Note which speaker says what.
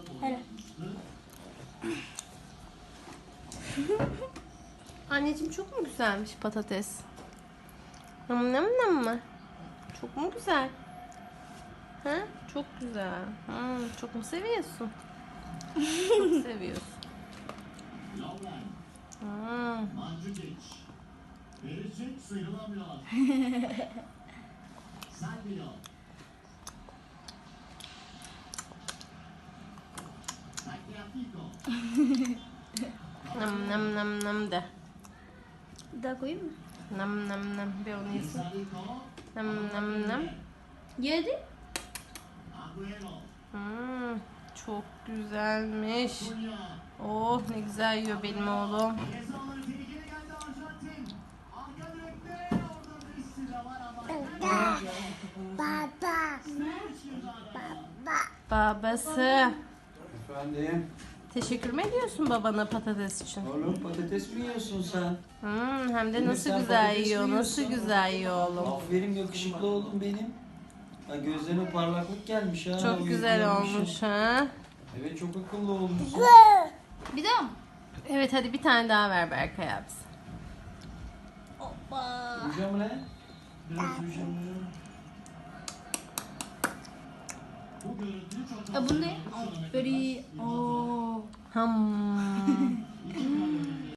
Speaker 1: Hele.
Speaker 2: Anneciğim çok mu güzelmiş patates? Nam nam nam mı? Çok mu güzel? Ha? Çok güzel. Çok mu seviyorsun? Çok seviyorsun.
Speaker 3: Verecek sıyrılamıyor. Salvio. Tagliafico.
Speaker 2: Nam nam nam nam de.
Speaker 1: Bir daha koyayım mı?
Speaker 2: Nam nam nam. Bir onu yesin.
Speaker 3: Salico.
Speaker 2: Nam nam nam.
Speaker 1: Yedi.
Speaker 3: Agüero.
Speaker 2: Çok güzelmiş.
Speaker 3: Cunha.
Speaker 2: Oh ne güzel yiyor benim oğlum.
Speaker 3: Ceza alanı tehlikeli geldi Arjantin. Arka direkte orada Messi de var ama.
Speaker 2: Babası.
Speaker 4: Efendim?
Speaker 2: Teşekkür mü ediyorsun babana patates için?
Speaker 4: Oğlum patates mi yiyorsun sen?
Speaker 2: Hem de
Speaker 4: Değil mi?
Speaker 2: nasıl
Speaker 4: Sen
Speaker 2: güzel
Speaker 4: patates
Speaker 2: yiyor,
Speaker 4: mi
Speaker 2: nasıl
Speaker 4: yiyorsun?
Speaker 2: güzel yiyor oğlum.
Speaker 4: Aferin yakışıklı oldun benim. Ha, gözlerine parlaklık gelmiş ha.
Speaker 2: Çok güzel
Speaker 4: uyuyormuşsun.
Speaker 2: olmuş ha.
Speaker 4: Evet çok akıllı olmuşsun.
Speaker 1: Bir daha mı?
Speaker 2: Evet hadi bir tane daha ver Berkay abisi.
Speaker 1: Hoppa.
Speaker 4: Uyuyacağım lan. Biraz uyuyacağım ya.
Speaker 3: Bu görüntü çok
Speaker 1: Bu ne? Aferin. Oo.
Speaker 2: Ham.